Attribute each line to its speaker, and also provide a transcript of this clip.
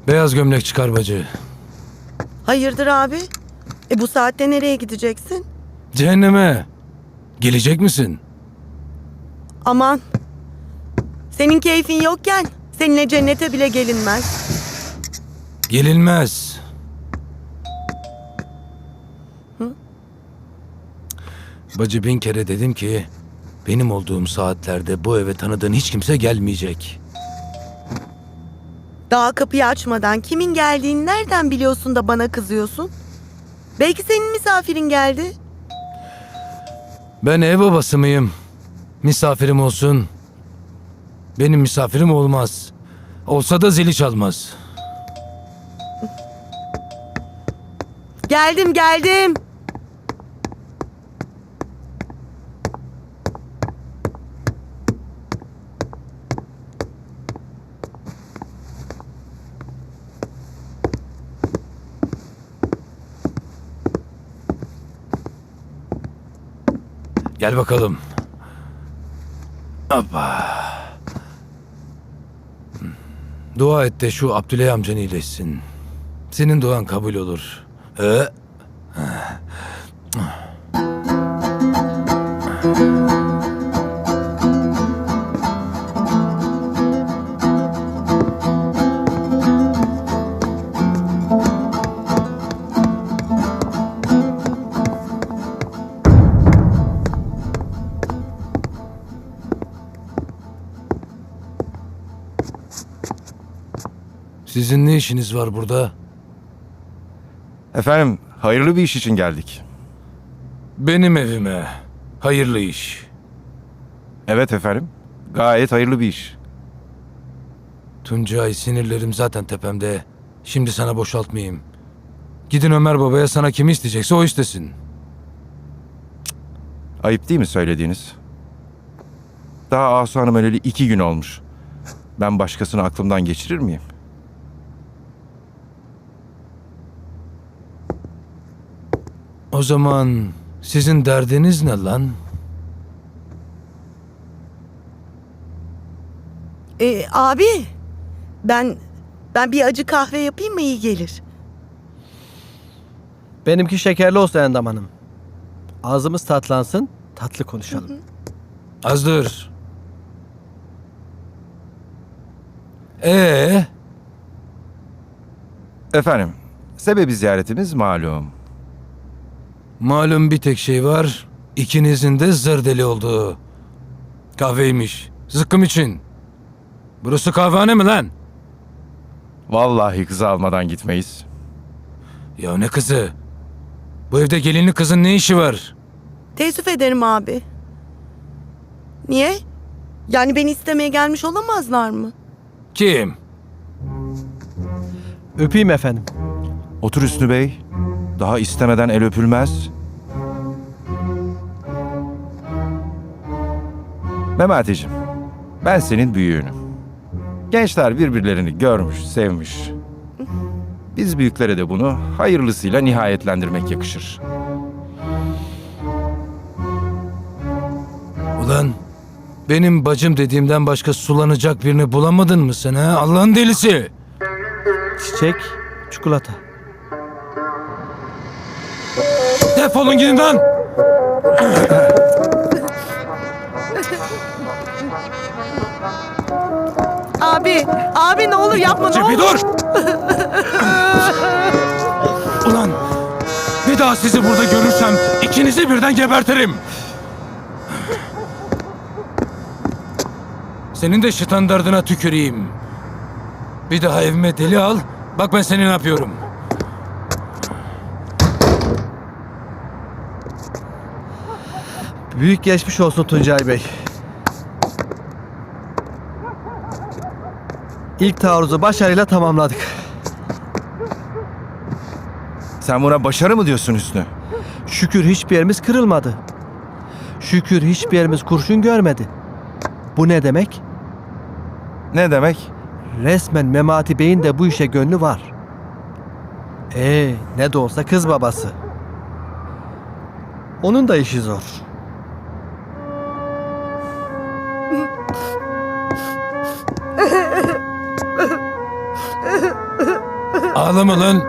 Speaker 1: Beyaz gömlek çıkar bacı.
Speaker 2: Hayırdır abi? Bu saatte nereye gideceksin?
Speaker 1: Cehenneme. Gelecek misin?
Speaker 2: Aman. Senin keyfin yokken seninle cennete bile gelinmez.
Speaker 1: Gelinmez. Bacı 1000 kere dedim ki benim olduğum saatlerde bu eve tanıdığın hiç kimse gelmeyecek.
Speaker 2: Daha kapıyı açmadan kimin geldiğini nereden biliyorsun da bana kızıyorsun? Belki senin misafirin geldi.
Speaker 1: Ben ev babası mıyım? Misafirim olsun. Benim misafirim olmaz. Olsa da zili çalmaz.
Speaker 2: Geldim.
Speaker 1: Gel bakalım. Hoppa. Dua et de şu Abdüley amcan iyileşsin. Senin duan kabul olur. Sizin ne işiniz var burada?
Speaker 3: Efendim, hayırlı bir iş için geldik.
Speaker 1: Benim evime. Hayırlı iş.
Speaker 3: Evet efendim, gayet hayırlı bir iş.
Speaker 1: Tuncay, sinirlerim zaten tepemde. Şimdi sana boşaltmayayım. Gidin Ömer babaya, sana kimi isteyecekse o istesin.
Speaker 3: Ayıp değil mi söylediğiniz? Daha Asu Hanım öleli 2 gün olmuş. Ben başkasını aklımdan geçirir miyim?
Speaker 1: O zaman sizin derdiniz ne lan?
Speaker 2: Abi ben bir acı kahve yapayım mı, iyi gelir.
Speaker 4: Benimki şekerli olsun Endam Hanım. Ağzımız tatlansın, tatlı konuşalım.
Speaker 1: Az dur.
Speaker 3: Efendim, sebebi ziyaretimiz malum.
Speaker 1: Malum bir tek şey var. İkinizin de zır deli olduğu. Kahveymiş. Zıkkım için. Burası kahvehane mi lan?
Speaker 3: Vallahi kızı almadan gitmeyiz.
Speaker 1: Ya ne kızı? Bu evde gelinli kızın ne işi var?
Speaker 2: Teessüf ederim abi. Niye? Yani beni istemeye gelmiş olamazlar mı?
Speaker 1: Kim?
Speaker 4: Öpeyim efendim.
Speaker 3: Otur Hüsnü Bey. Daha istemeden el öpülmez. Memati'cim, ben senin büyüğünüm. Gençler birbirlerini görmüş, sevmiş. Biz büyüklere de bunu hayırlısıyla nihayetlendirmek yakışır.
Speaker 1: Ulan benim bacım dediğimden başka sulanacak birini bulamadın mı sen ha? Allah'ın delisi.
Speaker 4: Çiçek, çikolata.
Speaker 1: Defolun gidin lan.
Speaker 2: Abi ne olur yapma, ne
Speaker 1: Cepi
Speaker 2: olur.
Speaker 1: dur. Ulan bir daha sizi burada görürsem ikinizi birden gebertirim. Senin de standardına tüküreyim. Bir daha evime deli al. Bak ben seni ne yapıyorum.
Speaker 4: Büyük geçmiş olsun Tuncay Bey. İlk taarruzu başarıyla tamamladık.
Speaker 3: Sen buna başarı mı diyorsun Hüsnü?
Speaker 4: Şükür hiçbir yerimiz kırılmadı. Şükür hiçbir yerimiz kurşun görmedi. Bu ne demek?
Speaker 3: Ne demek?
Speaker 4: Resmen Memati Bey'in de bu işe gönlü var. Ne de olsa kız babası. Onun da işi zor.
Speaker 1: Ağlama lan.